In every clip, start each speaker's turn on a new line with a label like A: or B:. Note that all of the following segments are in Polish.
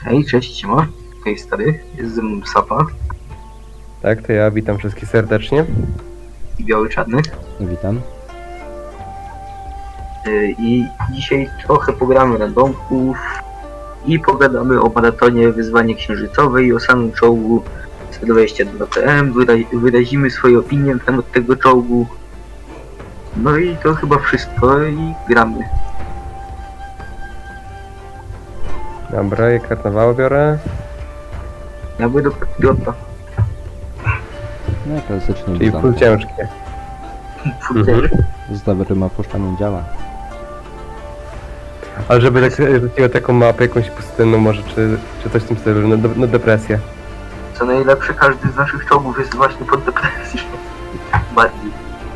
A: Hej, cześć, siema. Hej stary, jest ze mną Sapa
B: Tak, to ja witam wszystkich serdecznie.
A: i Biały Czarny.
C: Witam.
A: I dzisiaj trochę pogramy randomków i pogadamy o maratonie Wyzwanie Księżycowe i o samym czołgu 122 TM. Wyrazimy swoje opinie na temat tego czołgu. No i to chyba wszystko i gramy.
B: Dobra, i karnawały biorę.
A: Ja będę do patriota.
C: No i klasycznie
B: Czyli
C: witam.
B: full ciężkie.
C: Z dobrym opuszczaniem działa.
B: Ale żeby tak rzuciło taką mapę jakąś pustynną może, czy coś w tym stylu, na depresję.
A: Co najlepsze, każdy z naszych czołgów jest właśnie pod depresją. Bardziej.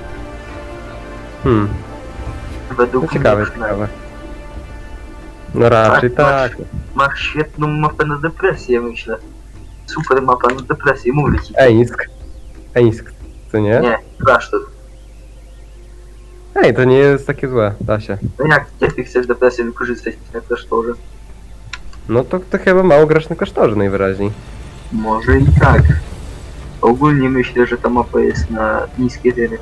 A: Według
B: No ciekawe,
A: mnie przynajmniej.
B: ciekawe. No raczej
A: Tak,
B: tak.
A: Masz świetną mapę na depresję, myślę. Super mapa na depresję, mówię ci.
B: Ejnisk, co nie?
A: Nie, klasztor.
B: Ej, to nie jest takie złe, da się.
A: No jak ty chcesz depresję wykorzystać na klasztorze?
B: No to chyba mało grasz na klasztorze najwyraźniej.
A: Może i tak. Ogólnie myślę, że ta mapa jest na niskie tyry.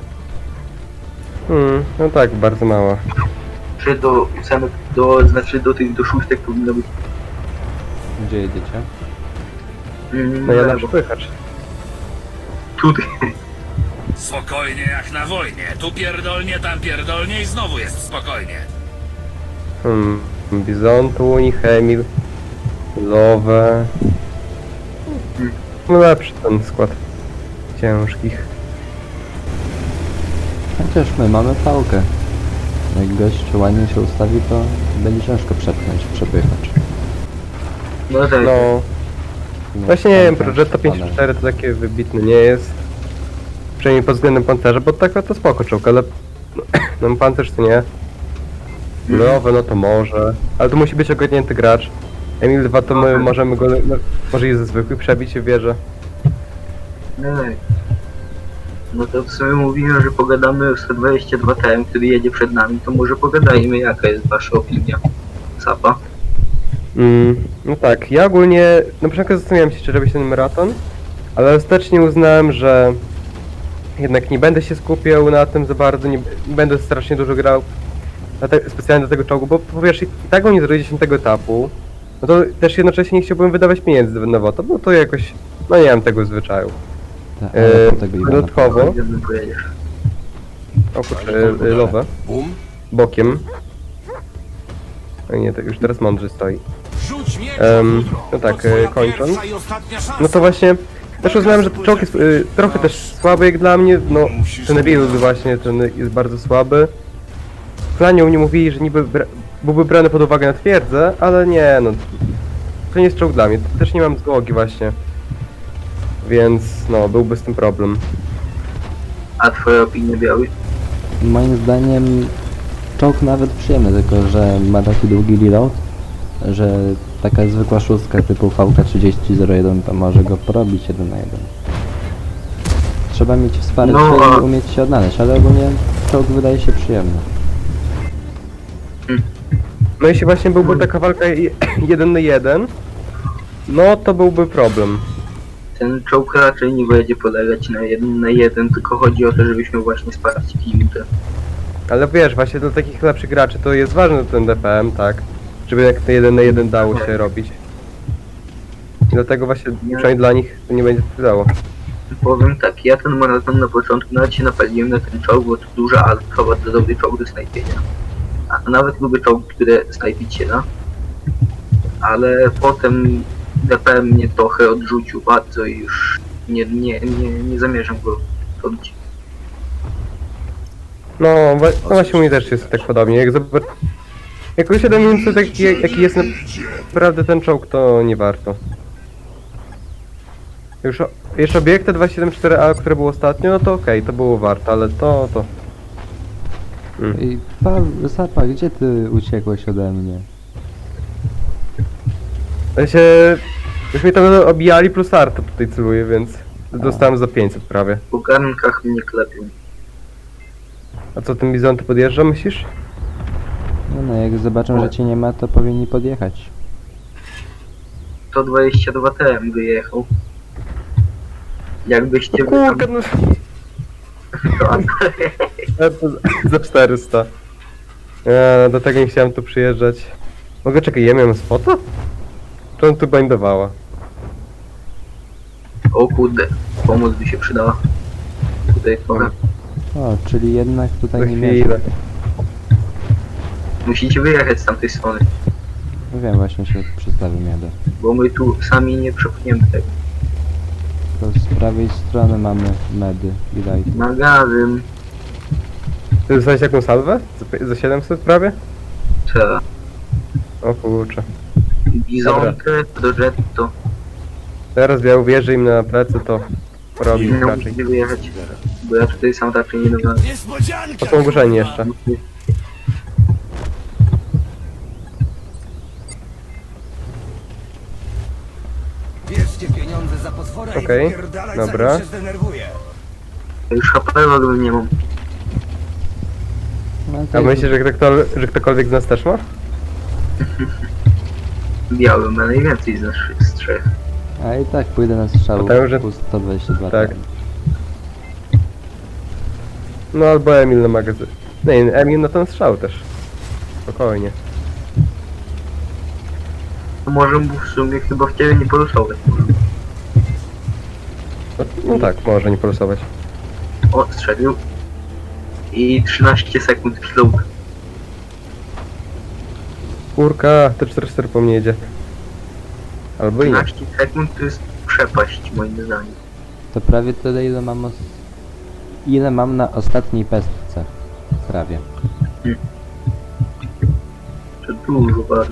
B: No tak, bardzo mało.
A: Czy do ósemek, znaczy do szóstek powinno być.
C: Gdzie jedziecie?
B: No ja na
A: lewo.
B: przepychacz.
A: Tutaj.
D: Spokojnie jak na wojnie. Tu pierdolnie, tam pierdolnie i znowu jest spokojnie.
B: Bizontuń, Chemil, Lowe. No lepszy ten skład ciężkich.
C: Chociaż my mamy pałkę. Jak gość ładnie się ustawi, to będzie ciężko przepychać.
A: No tak.
B: No,
C: No,
B: właśnie nie wiem,
C: tam
B: Progetto
C: spada.
B: 54 to takie wybitne nie jest. Przynajmniej pod względem pancerza, bo tak to spoko czołg, ale no pancerz to nie. Lowe no to może, ale to musi być ogarnięty gracz. Emil 2 to my możemy go, no, może i ze zwykłych przebić się w wieżę.
A: No tak. No to w sumie mówiłem, że pogadamy o 122 TM, który jedzie przed nami, to może pogadajmy, jaka jest wasza opinia. Sapa.
B: No tak, ja ogólnie na początku zastanawiałem się, czy robić ten maraton, ale ostatecznie uznałem, że jednak nie będę się skupiał na tym za bardzo, nie będę strasznie dużo grał specjalnie do tego czołgu, bo powiesz, i tak on nie zrobi 10 etapu, no to też jednocześnie nie chciałbym wydawać pieniędzy na WOTO, bo to jakoś, no nie mam tego zwyczaju.
C: Tak, ale po tego Iwana.
B: Dodatkowo,
A: Gdzie pojedziesz?
B: oprócz Lowe, bokiem, no nie, to już teraz mądrze stoi. No tak, kończąc, no to właśnie też uznałem, że ten czołg jest trochę też słaby jak dla mnie, no ten build właśnie, ten jest bardzo słaby. W planie u mnie mówili, że niby byłby brany pod uwagę na twierdzę, ale nie no, to nie jest czołg dla mnie, też nie mam złogi właśnie. Więc no, byłby z tym problem.
A: A twoja opinia, Biały?
C: Moim zdaniem czołg nawet przyjemny, tylko że ma taki długi reload, że taka zwykła szóstka typu VK3001 to może go porobić 1 na 1. Trzeba mieć wsparcie
A: No,
C: i umieć się odnaleźć, ale ogólnie czołg wydaje się przyjemny.
B: No jeśli właśnie byłby taka walka 1 na 1, no to byłby problem.
A: Ten czołg raczej nie będzie polegać na 1 na 1, tylko chodzi o to, żebyśmy właśnie sprawdzili minutę.
B: Ale wiesz, właśnie dla takich lepszych graczy to jest ważny ten DPM, tak? Żeby jak te 1 na 1 dało się robić. I dlatego właśnie, przynajmniej dla nich, to nie będzie wpływało.
A: Powiem tak, ja ten maraton na początku nawet się napaliłem na ten czołg, bo to duża alfa, bardzo dobry czołg do snajpienia. A nawet lubię czołg, które snajpić się da. Ale potem DPM mnie trochę odrzucił bardzo i już nie zamierzam go robić.
B: No właśnie u mnie też jest tak podobnie. Jak uświadomiłem sobie jaki jest naprawdę ten czołg, to nie warto. Już obiekty 274A, które było ostatnio, no to okej, to było warto, ale to...
C: I Sapa, gdzie ty uciekłeś ode mnie?
B: Już mnie tam obijali plus arta tutaj celuje, więc dostałem za 500 prawie.
A: Po garnkach mnie klepią.
B: A co, ten bizon to podjeżdża, myślisz?
C: No jak zobaczą, że cię nie ma, to powinni podjechać.
A: 122 TM wyjechał. Jakbyście
B: No
A: wy tam...
B: kurka, no
A: To,
B: za 400. Ja do tego nie chciałem tu przyjeżdżać. Mogę czekaj, ja miałem spota? Czy on tu bindowała?
A: o kurde, pomoc by się przydała. Tutaj powiem.
C: O, czyli jednak
B: Za
C: tutaj nie
B: chwilę.
C: mierzę.
A: Musicie wyjechać z tamtej strony,
C: No wiem, właśnie się przedstawił jadę.
A: bo my tu sami nie przepchniemy tego.
C: To z prawej strony mamy medy i lighty.
A: Magazyn,
B: Ty dostałeś jaką salwę? Za 700 prawie?
A: trzeba.
B: O kurczę.
A: Bizonkę, Progetto.
B: Teraz ja uwierzę im na plecy, to robi
A: No
B: raczej.
A: musicie wyjechać, bo ja tutaj sam raczej nie dogadzam.
B: To są ogłoszeni jeszcze.
E: Bierzcie pieniądze za potwora
B: Okej,
E: i wypierdalać,
B: dobra.
E: zanim się zdenerwuję.
A: Już HP w ogóle nie mam.
C: No,
B: A
C: to
B: myślisz, że ktokolwiek z nas też ma?
A: Biały ma najwięcej z trzech.
C: A i tak pójdę na strzał
B: Potem, że-
C: plus 122
B: tak.
C: tam.
B: No albo Emil na magazyn. Nie, Emil na ten strzał też. Spokojnie.
A: To może mu w sumie chyba w ciebie nie polusować.
B: No tak, może nie polusować.
A: O, strzelił. I 13 sekund killów.
B: Kurka, te 4-4 po mnie jedzie. Albo i nie.
A: 13 sekund to jest przepaść moim zdaniem.
C: To prawie tyle ile mam na ostatniej pestce. Prawie.
A: To dużo bardzo.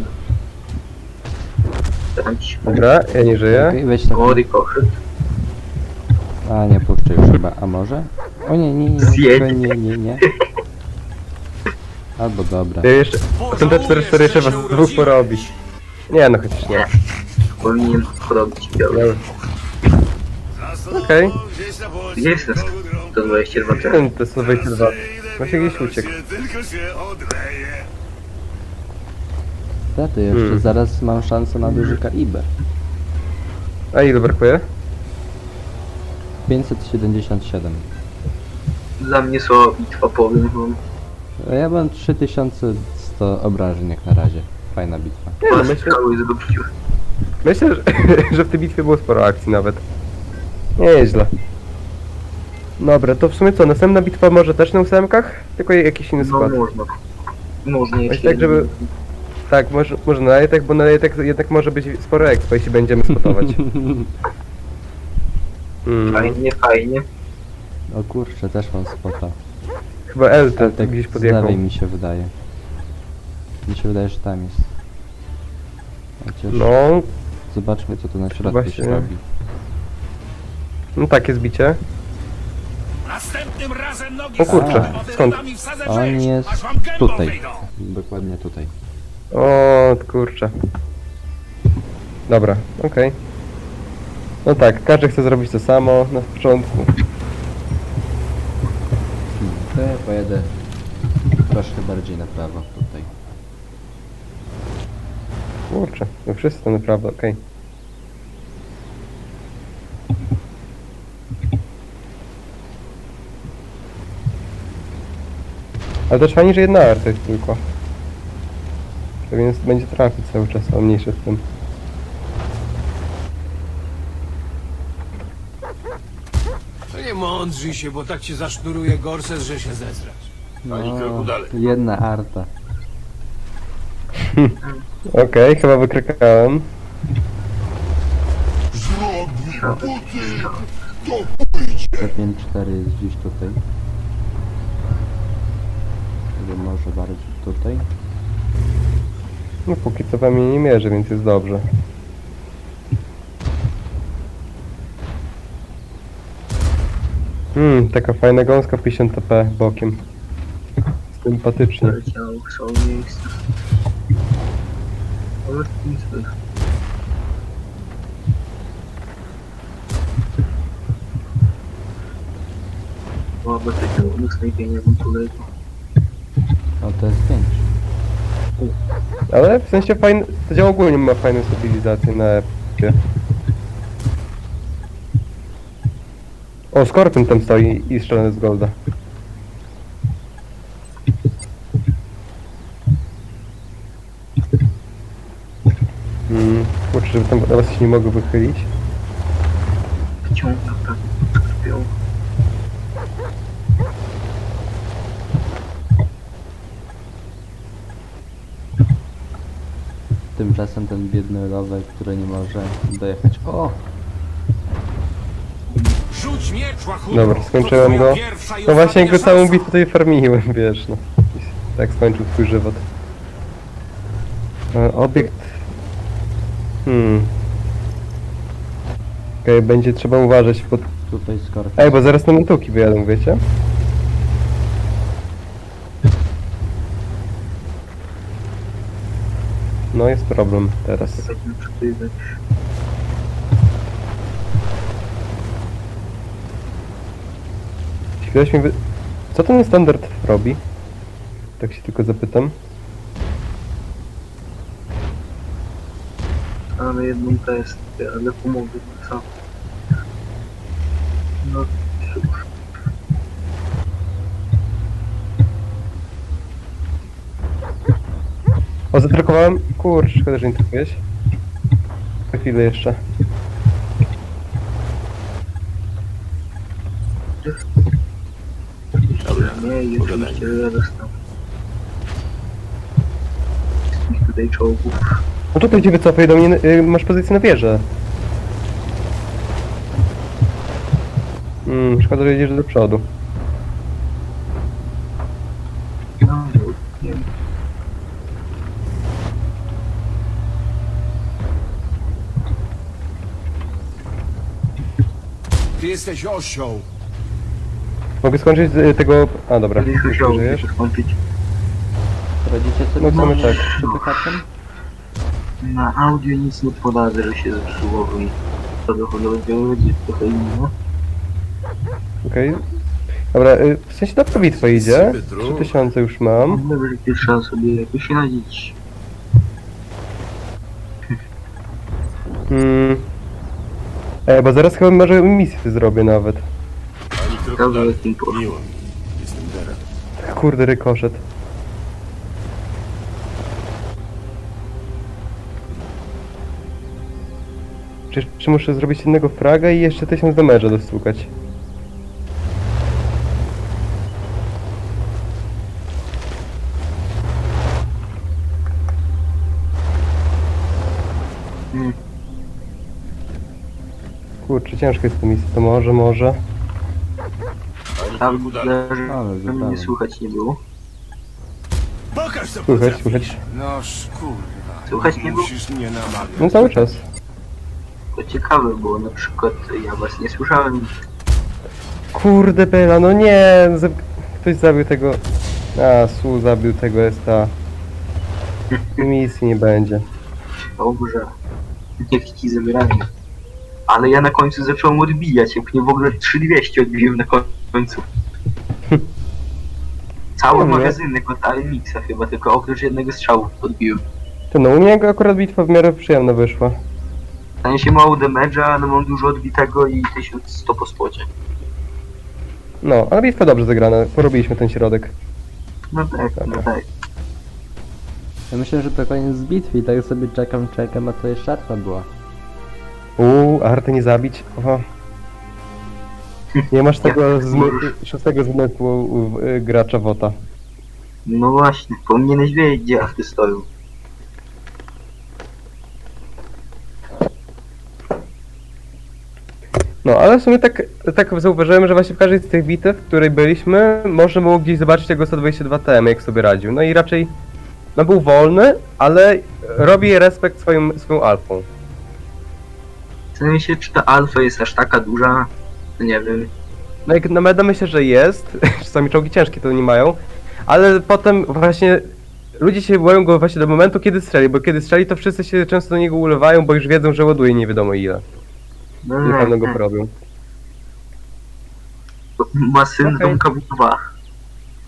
A: Tam ci
B: Dobra, ja nie żyję.
C: Okej, weź tak.
A: o, ricochet.
C: A nie puszczę już chyba, a może? O nie, nie, nie,
A: Zjedź.
C: nie. Albo dobra.
B: Ja jeszcze... Ten T4-4 jeszcze was dwóch porobi. Nie no, chociaż nie.
A: Powinien porobić biały.
B: Ja... Okej.
A: Gdzie jest ten 122 TM?
B: Ten T122. Właśnie gdzieś uciekł.
C: To jeszcze zaraz mam szansę na duży kaliber.
B: A ile brakuje?
C: 577.
A: Dla mnie słaba bitwa, powiem wam.
C: A ja mam 3100 obrażeń jak na razie. Fajna bitwa.
B: Nie no,
A: Dwa
B: myślę,
A: strzały zrobiły.
B: myślę że w tej bitwie było sporo akcji nawet. Nieźle. Dobra, to w sumie co, następna bitwa może też na ósemkach? Tylko jakiś inny
A: No
B: skład.
A: można. Można
B: Weź
A: jeszcze
B: tak, żeby... Tak, może na jetek, bo na jetek jednak może być sporo expo, jeśli będziemy spotować.
A: Fajnie, fajnie.
C: O kurczę, też mam spota.
B: Chyba LT
C: Ale tak
B: gdzieś
C: z
B: podjechał.
C: lewej mi się wydaje. Mi się wydaje, że tam jest. Chociaż
B: No,
C: zobaczmy co tu na środku
B: Właśnie.
C: się robi.
B: no takie zbicie.
D: Następnym razem nogi
B: O kurczę,
D: za
B: skąd?
D: wyrobami wsadzę
C: On
D: rzeź,
C: jest
D: aż wam gębą
C: tutaj.
D: wyjdą.
C: Dokładnie tutaj.
B: O, kurczę. Dobra, okej. No tak, każdy chce zrobić to samo na początku.
C: To ja pojedę troszkę bardziej na prawo tutaj.
B: Kurczę, no wszyscy to naprawdę, okej. Ale też fajnie, że jedna arta jest tylko. Więc będzie trafić cały czas, a mniejsze z tym.
E: To nie mądrzyj się, bo tak ci zasznuruje gorset, że się zezrasz.
C: No, jedna arta.
B: Okej, chyba wykrakałem.
C: Pewnie 4 jest gdzieś tutaj. Albo może bardziej tutaj.
B: No póki co we mnie nie mierzy, więc jest dobrze. Taka fajna gąska 50 TP bokiem. Sympatycznie.
A: Leciało, są miejsca. Ale nic nie. O, bo takiego snajpienia bym polecił.
C: O, to jest 5.
B: Ale w sensie fajny, to działa ogólnie ma fajną stabilizację na chłopie. O, Skorpion tam stoi i strzelany z golda. Kurczę, żeby tam na was się nie mogło wychylić.
A: Wciąga prawie skorpion.
C: Tymczasem ten biedny rower, który nie może dojechać. O!
D: Rzuć miecz, łachudro!
B: Dobra, skończyłem
D: To twoja
B: go.
D: pierwsza i
B: No właśnie
D: ostatnia
B: go całą
D: szansa.
B: bitwę tutaj farmiłem, wiesz, no. I tak skończył swój żywot. Obiekt... Okej, będzie trzeba uważać pod...
C: Tutaj Skorpion.
B: Ej, bo zaraz na mentuki wyjadą, wiecie? No jest problem teraz.
A: Będziemy przepływać.
B: Chwilę mi wy... Co ten standard robi? Tak się tylko zapytam.
A: Mamy jedną kwestię, ale pomogę, co? No cóż.
B: O, zatrykowałem? Kurczę, szkoda, że nie trafiłeś. Na chwilę jeszcze.
A: Nie, i oczywiście ja dostałem. Wszystkich tutaj czołgów.
B: No tutaj cię wycofaj do mnie, masz pozycję na wieżę. Szkoda, że jedziesz do przodu.
A: No, nie wiem.
E: Ty jesteś osioł.
B: Mogę skończyć tego... A, dobra.
A: Kiedyś
B: Już
A: musiało
B: żyjesz?
A: się skończyć.
C: Radzicie sobie
B: No, mamy
C: z
B: tak.
C: przepychaczem?
A: Na audio nic nie poradzę, że się zepsuło i to dochodowo będzie trochę inne.
B: Okej. Dobra, w sensie dobra bitwa idzie. 3000 już mam.
A: Może trzeba sobie jakoś radzić.
B: Bo zaraz chyba może misję zrobię nawet.
A: Ciekawe jakim poszło.
E: Jestem Deren.
B: Kurde, rykoszet. Czy muszę zrobić jednego fraga i jeszcze 1000 damage'a dostukać?
A: Hmm.
B: Kurczę, ciężko jest to misja, to może.
A: Tam że
C: Ale
A: mnie
C: zupełnie.
A: słychać nie było.
E: Pokaż co
B: Słychać.
E: No kurwa.
A: Słychać nie było?
E: Musisz mnie namawiać.
B: No cały czas.
A: To ciekawe, bo na przykład ja was nie słyszałem.
B: Kurde Bela, no nie! Ktoś zabił tego... Su zabił tego Esta. Misji nie będzie.
A: Dobrze. Niech ci zabierają. Ale ja na końcu zacząłem odbijać, jak mnie w ogóle 3200 odbiłem na końcu. Cały
B: No nie.
A: magazynek od Alemixa chyba, tylko oprócz jednego strzału odbiłem.
B: To no, u mnie akurat bitwa w miarę przyjemna wyszła.
A: Stanie się mało damage'a, ale mam dużo odbitego i 1100 po spocie.
B: No, ale bitwa dobrze zagrana, porobiliśmy ten środek.
A: No tak, no tak.
C: Ja myślę, że to koniec bitwy i tak sobie czekam, a to jeszcze arta była.
B: Arty nie zabić. Oho. Nie masz tego szóstego zmysłu gracza WOTA.
A: No właśnie, powinieneś wiedzieć, gdzie afty stoją.
B: No, ale w sumie tak zauważyłem, że właśnie w każdej z tych bitew, w której byliśmy, można było gdzieś zobaczyć tego 122 TM, jak sobie radził. No i raczej, no był wolny, ale robi respekt swoją alfą.
A: W sensie, czy ta alfa jest aż taka duża? To nie wiem.
B: No jak na meda myślę, że jest, czasami czołgi ciężkie to nie mają, ale potem właśnie ludzie się boją go właśnie do momentu, kiedy strzeli, bo kiedy strzeli, to wszyscy się często do niego ulewają, bo już wiedzą, że ładuje nie wiadomo ile.
A: No
B: I na pewno go porobią.
A: Ma syndrom
B: Okej.
A: KW2.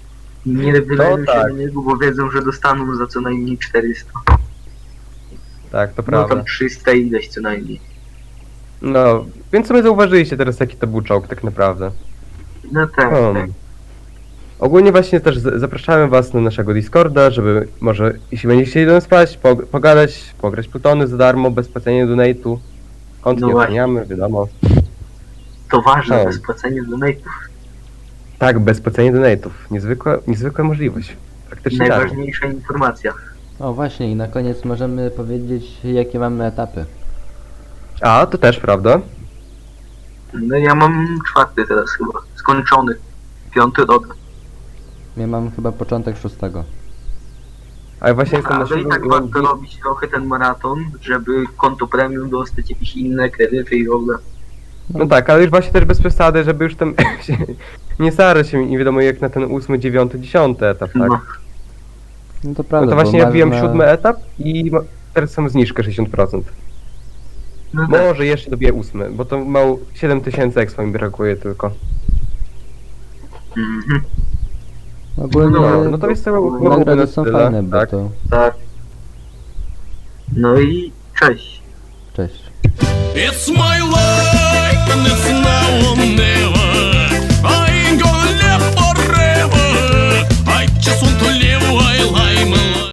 A: Nie wyleją się
B: tak.
A: na niego, bo wiedzą, że dostaną za co najmniej 400.
B: Tak, to
A: No
B: prawda.
A: tam 300 ileś co najmniej.
B: No, więc sobie zauważyliście teraz, jaki to był czołg tak naprawdę.
A: No tak, tak.
B: Ogólnie właśnie też zapraszamy was na naszego Discorda, żeby może, jeśli będziecie chcieli do nas wpaść, pogadać, pograć Plutony za darmo, bez płacenia donate'u. Kont
A: No
B: nie
A: właśnie.
B: oceniamy, wiadomo.
A: To ważne,
B: No.
A: bez płacenia donate'ów.
B: Tak, bez płacenia donate'ów. Niezwykła możliwość. Praktycznie darmo.
A: Najważniejsza informacja.
C: O właśnie, i na koniec możemy powiedzieć, jakie mamy etapy.
B: A, to też prawda.
A: No ja mam 4 teraz chyba. Skończony. 5 rok.
C: Ja mam chyba początek 6.
B: Ale właśnie jestem na
A: Ale i
B: siódmym
A: tak
B: i mam
A: warto robić trochę ten maraton, żeby konto premium dostać jakieś inne kredyty i w ogóle.
B: No tak, ale już właśnie też bez przesady, żeby już tam się nie starać się nie wiadomo jak na ten 8, 9, 10 etap, tak?
A: No,
C: No to
B: No
C: prawda,
B: to właśnie
C: bo
B: ja wbijam
C: masz
B: 7 etap i teraz są zniżkę 60%.
A: no tak.
B: Może jeszcze dobiję 8, bo to mało 7000 expo mi brakuje tylko.
A: Mhm.
C: Ogólnie
B: No to jest to
C: nagrody są fajne, bo
B: tak?
C: to...
A: Tak. No i cześć.
C: Cześć.
D: It's my life.